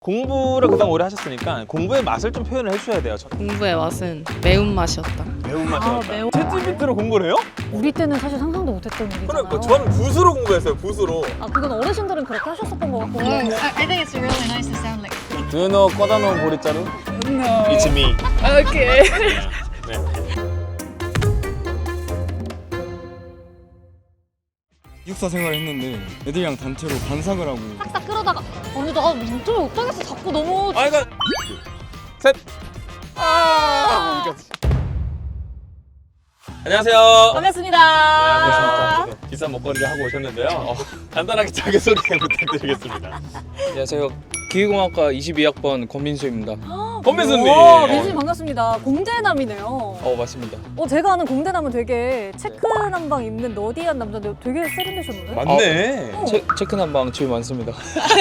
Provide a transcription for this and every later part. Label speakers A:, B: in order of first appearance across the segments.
A: 공부를 그동안 오래 하셨으니까 공부의 맛을 좀 표현을 해주셔야 돼요.
B: 공부의 맛은 매운맛이었다.
A: 매운맛이었다.
C: 매운-
A: 챗GPT로 공부를 해요?
C: 우리 때는 사실 상상도 못했던 일이잖아요.
A: 그러니까 저는 붓으로 공부했어요. 붓으로.
C: 아 그건 어르신들은 그렇게 하셨었던 것 같고.
D: I think it's really nice to sound like.
A: Do you know 꺼다 놓은 보리자루?
D: No.
A: It's me.
D: Okay.
A: 네.
E: 기숙사 생활을 했는데 애들이랑 단체로 반삭을 하고
C: 싹싹 끌어다가 아니 나 진짜 못하겠어. 자꾸 너무
A: 아 이거 셋. 아. 안녕하세요.
C: 반갑습니다.
A: 네, 비싼 먹거리를 하고 오셨는데요. 간단하게 자기소개 부탁드리겠습니다.
F: 안녕하세요. 기계공학과 22학번 권민수입니다.
A: 권민수님.
C: 와, 민수님 반갑습니다. 공대남이네요.
F: 맞습니다.
C: 제가 아는 공대남은 되게 체크 남방 입는 너디한 남자인데 되게 세련되셨는데?
A: 맞네.
F: 체크 난방 집이 많습니다.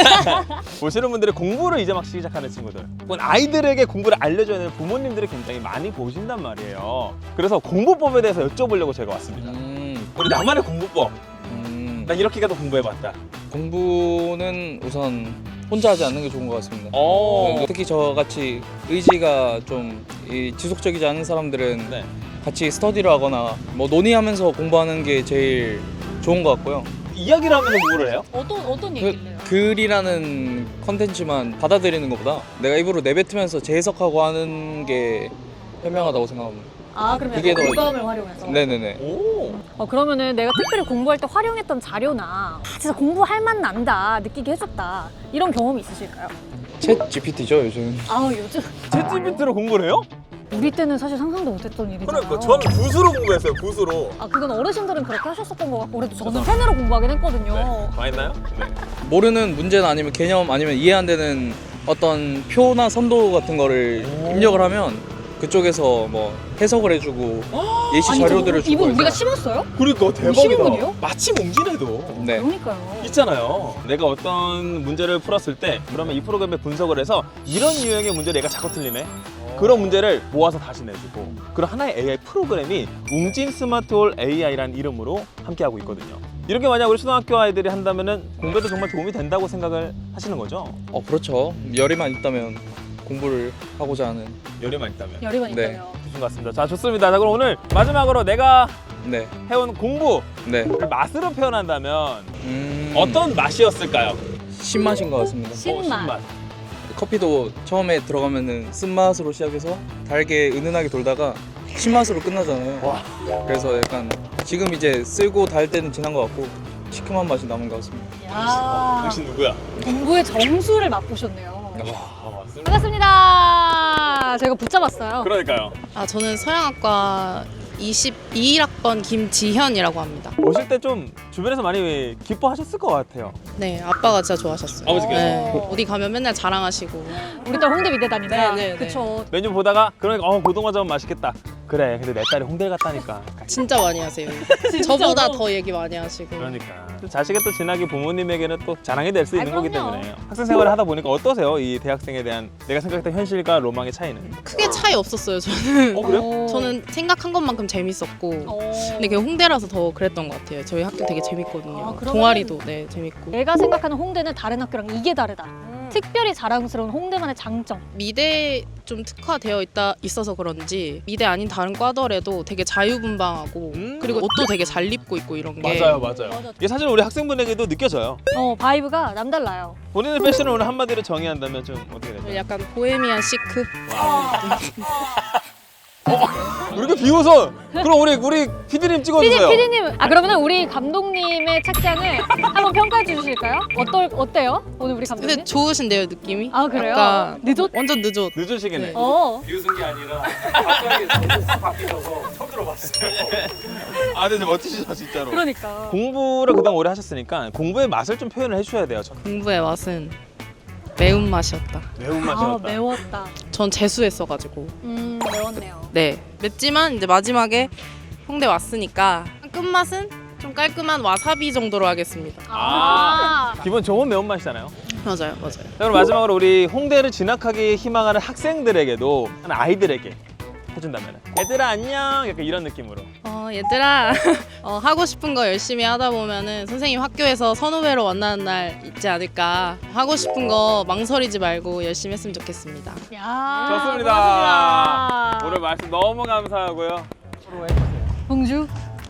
A: 보시는 분들이 공부를 이제 막 시작하는 친구들, 혹은 아이들에게 공부를 알려줘야 되는 부모님들이 굉장히 많이 보신단 말이에요. 그래서 공부법에 대해서 여쭤보려고 제가 왔습니다. 우리 나만의 공부법. 난 이렇게 가도 공부해봤다.
F: 공부는 우선 혼자 하지 않는 게 좋은 것 같습니다.
A: 오.
F: 특히 저같이 의지가 좀 지속적이지 않은 사람들은
A: 네.
F: 같이 스터디를 하거나 뭐 논의하면서 공부하는 게 제일 좋은 것 같고요.
A: 이야기를 하면서 공부를 해요?
C: 어떤 얘기를 해요?
F: 글이라는 컨텐츠만 받아들이는 것보다 내가 입으로 내뱉으면서 재해석하고 하는 게 현명하다고 생각합니다.
C: 아 그러면
F: 그게 더-
C: 공감을 활용해서?
F: 네네네.
A: 오.
C: 그러면은 내가 특별히 공부할 때 활용했던 자료나 진짜 공부할 맛 난다 느끼게 해줬다 이런 경험이 있으실까요?
F: 챗 GPT죠 요즘.
C: 아 요즘
A: 챗GPT로 공부를 해요?
C: 우리 때는 사실 상상도 못했던 일이잖아요.
A: 그러니까 저는 붓으로 공부했어요. 붓으로.
C: 아 그건 어르신들은 그렇게 하셨었던 것 같고 그래도 저는 펜으로 공부하긴 했거든요.
A: 네. 망했나요? 네.
F: 모르는 문제나 아니면 개념 아니면 이해 안 되는 어떤 표나 선도 같은 거를 입력을 하면 그쪽에서 뭐 해석을 해주고 예시 자료들을 주고
C: 이분
F: 해서.
C: 우리가 심었어요?
A: 그러니까 대박이다.
C: 쉬운 분이에요?
A: 마침 옹진해도.
F: 네.
C: 그러니까요.
A: 있잖아요. 내가 어떤 문제를 풀었을 때 그러면 이 프로그램에 분석을 해서 이런 유형의 문제를 얘가 자꾸 틀리네. 그런 문제를 모아서 다시 내주고 그런 하나의 AI 프로그램이 웅진 스마트홀 AI라는 이름으로 함께하고 있거든요. 이렇게 만약 우리 초등학교 아이들이 한다면은 공부에도 정말 도움이 된다고 생각을 하시는 거죠?
F: 그렇죠. 열이만 있다면 공부를 하고자 하는.
A: 열의만 있다면.
C: 열이만
F: 네.
C: 있다면.
A: 좋은 것 같습니다. 자, 좋습니다. 자, 그럼 오늘 마지막으로 내가
F: 네.
A: 해온 공부를
F: 네.
A: 맛으로 표현한다면
F: 음,
A: 어떤 맛이었을까요?
F: 신맛인 것 같습니다.
C: 신맛.
F: 커피도 처음에 들어가면은 쓴맛으로 시작해서 달게 은은하게 돌다가 신맛으로 끝나잖아요.
A: 와.
F: 그래서 약간 지금 이제 쓰고 달 때는 지난 것 같고 시큼한 맛이 남은 것 같습니다.
C: 야
A: 당신 누구야?
C: 공부의 정수를 맛보셨네요.
A: 와, 맞습니다.
C: 반갑습니다. 제가 붙잡았어요.
A: 그러니까요.
B: 저는 서양학과 22학번 김지현이라고 합니다.
A: 오실 때 좀 주변에서 많이 기뻐하셨을 것 같아요.
B: 네, 아빠가 진짜 좋아하셨어요.
A: 아버지께서?
B: 네, 어디 가면 맨날 자랑하시고.
C: 우리 딸 홍대 미대 다닌다.
B: 네, 네, 네.
C: 그쵸.
A: 메뉴 보다가 그러니까 고등어전 맛있겠다. 그래, 근데 내 딸이 홍대를 갔다니까.
B: 진짜 많이 하세요. 저보다 더 얘기 많이 하시고.
A: 그러니까 자식의 또 진학이 부모님에게는 또 자랑이 될 수 있는 거기
C: 그럼요.
A: 때문에 학생 생활을 하다 보니까 어떠세요? 이 대학생에 대한 내가 생각했던 현실과 로망의 차이는?
B: 크게 차이 없었어요, 저는.
A: 그래요?
B: 저는 생각한 것만큼 재밌었고. 근데 그게 홍대라서 더 그랬던 것 같아요. 저희 학교 되게 재밌거든요.
C: 아, 그러면은-
B: 동아리도 네 재밌고.
C: 내가 생각하는 홍대는 다른 학교랑 이게 다르다. 특별히 자랑스러운 홍대만의 장점.
B: 미대 좀 특화되어 있어서 그런지 미대 아닌 다른 과더라도 되게 자유분방하고 그리고 옷도 되게 잘 입고 있고 이런 게
A: 맞아요.
C: 맞아.
A: 이게 사실 우리 학생분에게도 느껴져요.
C: 바이브가 남달라요.
A: 본인의 패션을 오늘 한마디로 정의한다면 좀 어떻게 되죠?
B: 약간 보헤미안 시크.
A: 왜 이렇게 비웃어? 그럼 우리 PD님 찍어주세요.
C: 피디님, 그러면 우리 감독님의 착장을 한번 평가해 주실까요? 어때요? 오늘 우리 감독님?
B: 근데 좋으신데요 느낌이?
C: 아 그래요?
B: 약간
C: 늦었?
B: 완전 늦었.
A: 늦으시겠네.
B: 네.
A: 비웃은 게 아니라 갑자기 바뀌셔서 처음 들어봤어요. 아, 근데 멋지시죠 진짜로.
C: 그러니까.
A: 공부를 그동안 오래 하셨으니까 공부의 맛을 좀 표현을 해주셔야 돼요.
B: 공부의 맛은 매운맛이었다.
A: 매운맛이었다.
C: 매웠다.
B: 전 재수했어가지고.
C: 매웠네요.
B: 네 맵지만 이제 마지막에 홍대 왔으니까 끝맛은 좀 깔끔한 와사비 정도로 하겠습니다.
A: 기본 좋은 매운맛이잖아요.
B: 맞아요.
A: 자, 그럼 마지막으로 우리 홍대를 진학하기 희망하는 학생들에게도 아이들에게 해준다면 얘들아 안녕 약간 이런 느낌으로
B: 얘들아 하고 싶은 거 열심히 하다 보면은 선생님 학교에서 선후배로 만나는 날 있지 않을까. 하고 싶은 거 망설이지 말고 열심히 했으면 좋겠습니다.
C: 야,
A: 좋습니다.
C: 고맙습니다.
A: 오늘 말씀 너무 감사하고요.
C: 봉주.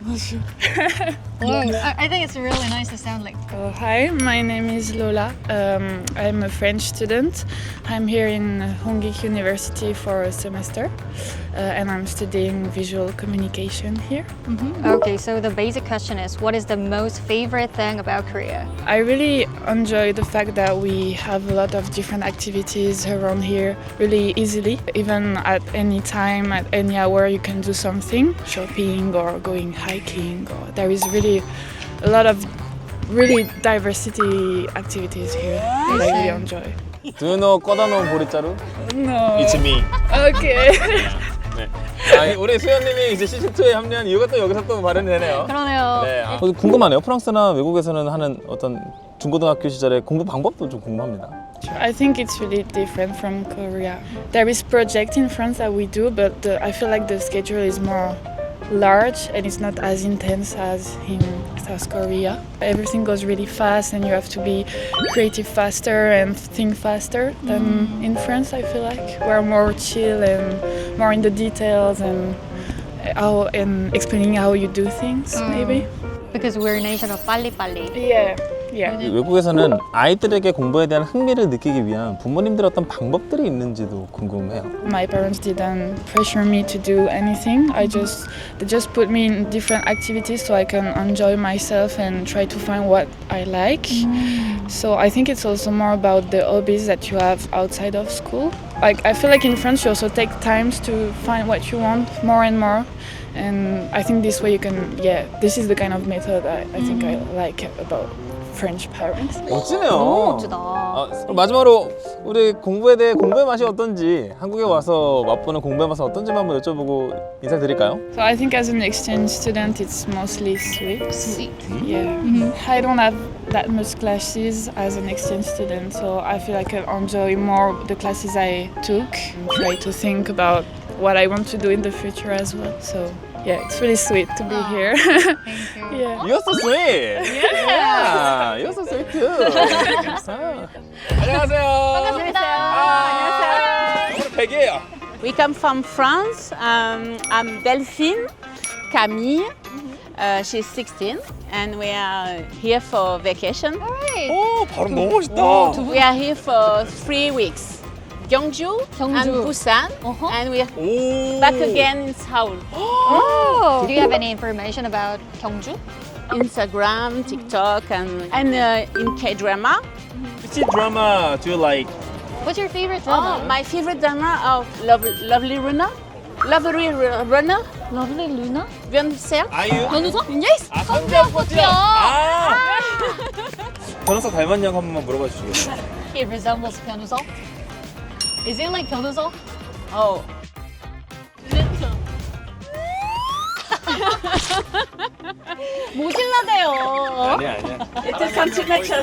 D: I think it's really nice to sound like.
G: Hi, my name is Lola. I'm a French student. I'm here in Hongik University for a semester, and I'm studying visual communication here.
C: Okay, so the basic question is, what is the most favorite thing about Korea?
G: I really enjoy the fact that we have a lot of different activities around here really easily. Even at any time, at any hour, you can do something, shopping or going hiking. Or there is really a lot of really diversity activities here that I really enjoy.
A: Do you know 꺼다놓은 보리자루?
G: No.
A: It's me.
G: Okay.
A: 네. 아, 우리 수연님이 이제 시즌2에 합류한 이유가 또 여기서 또 발현이 되네요.
C: 그러네요.
A: 네. 궁금하네요. 프랑스나 외국에서는 하는 어떤 중고등학교 시절의 공부 방법도 좀 궁금합니다.
G: I think it's really different from Korea. There is project in France that we do, but I feel like the schedule is more large and it's not as intense as in South Korea. Everything goes really fast and you have to be creative faster and think faster than in France. I feel like we're more chill and more in the details and explaining how you do things maybe.
C: Because we're a nation of 빨리빨리.
G: Yeah.
A: 외국에서는 아이들에게 공부에 대한 흥미를 느끼기 위한 부모님들의 어떤 방법들이 있는지도 궁금해요.
G: My parents didn't pressure me to do anything. They just put me in different activities so I can enjoy myself and try to find what I like. So I think it's also more about the hobbies that you have outside of school. Like I feel like in France you also take times to find what you want more and more. And I think this way you can, this is the kind of method I think I like about French parents.
A: 멋지네요.
C: 너무 멋지다.
A: 그럼 마지막으로 우리 공부에 대해 공부의 맛이 어떤지, 한국에 와서 맛보는 공부의 맛은 어떤지만 한번 여쭤보고 인사드릴까요?
G: So I think as an exchange student it's mostly sweet.
B: Sweet.
G: Yeah. I don't have that much classes as an exchange student, so I feel like I enjoy more the classes I took and try to think about what I want to do in the future as well. So yeah, it's really sweet to be here. Yeah.
A: You're so sweet. Yeah. You're so sweet too. 안녕하세요.
C: 반갑습니다.
A: 안녕하세요. 오늘 백이에요.
H: We come from France. I'm Delphine Camille. She's 16 and we are here for vacation.
A: 오, 발음 너무 멋있다.
H: We are here for 3 weeks. Gyeongju and Busan, and we are
A: 오.
H: back again in Seoul.
C: Do you have any information about 경주?
H: Instagram, TikTok, and in K-drama.
A: Which drama do you like?
C: What's your favorite
H: Oh,
C: drama?
H: my favorite drama, Lovely Runner. Lovely Runner.
C: Lovely Luna?
H: 변호사?
A: 아이유?
C: 변호사?
H: Yes.
A: 아, 성대포트요. 아. 변호사 닮았냐고 한 번만 물어봐 주시겠어요?
C: He resembles 변호사? Is it like 변호사?
H: Oh.
C: 모질라대요.
A: 아니야.
H: It is some connection.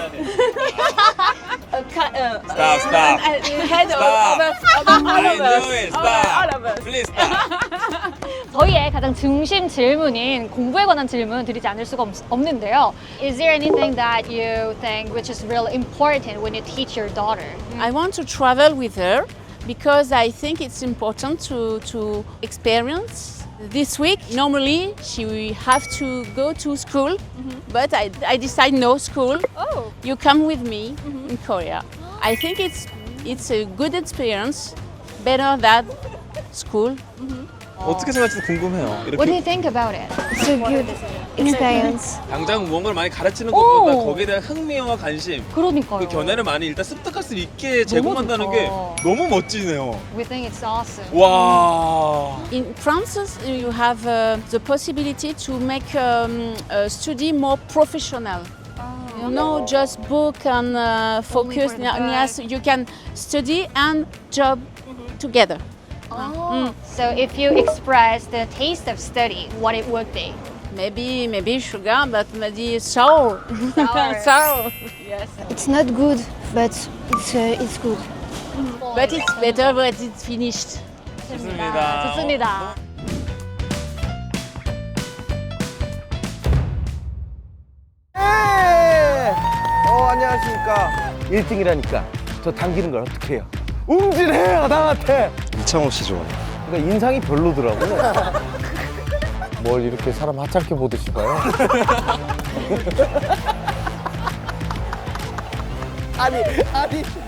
A: Stop.
H: Head
A: Stop.
H: over all
A: I
H: of us.
A: knew it.
H: All of us.
A: Stop. Please stop.
C: 저희의 가장 중심 질문인 공부에 관한 질문 드리지 않을 수가 없는데요. Is there anything that you think which is really important when you teach your daughter?
H: I want to travel with her because I think it's important to experience. This week, normally she will have to go to school, but I decide no school.
C: Oh.
H: You come with me in Korea. I think it's a good experience, better than school.
A: 어떻게 생각할지 궁금해요.
C: What do you think about it?
D: It's a good experience.
A: 당장 무언가를 많이 가르치는 것보다 거기에 대한 흥미와 관심,
C: 그러니까요.
A: 그 견해를 많이 일단 습득할 수 있게 제공한다는
C: 좋다.
A: 게 너무 멋지네요.
C: We think it's awesome.
A: 와.
H: In France, you have the possibility to make a study more professional. No, just book and focus.
C: for the book.
H: Yes, you can study and job together.
C: So if you express the taste of study, what it would be?
H: Maybe sugar, but maybe sour.
C: Sour.
H: Sour. Yes.
D: It's not good, but it's good.
H: But it's better when it's finished.
A: 좋습니다.
C: 좋습니다.
I: 안녕하십니까. 1등이라니까 저 당기는 걸 어떻게 해요? 웅진해요 나한테.
E: 이창호 씨 좋아요.
I: 그러니까 인상이 별로더라고요. 뭘 이렇게 사람 하찮게 보듯이 봐요? 아니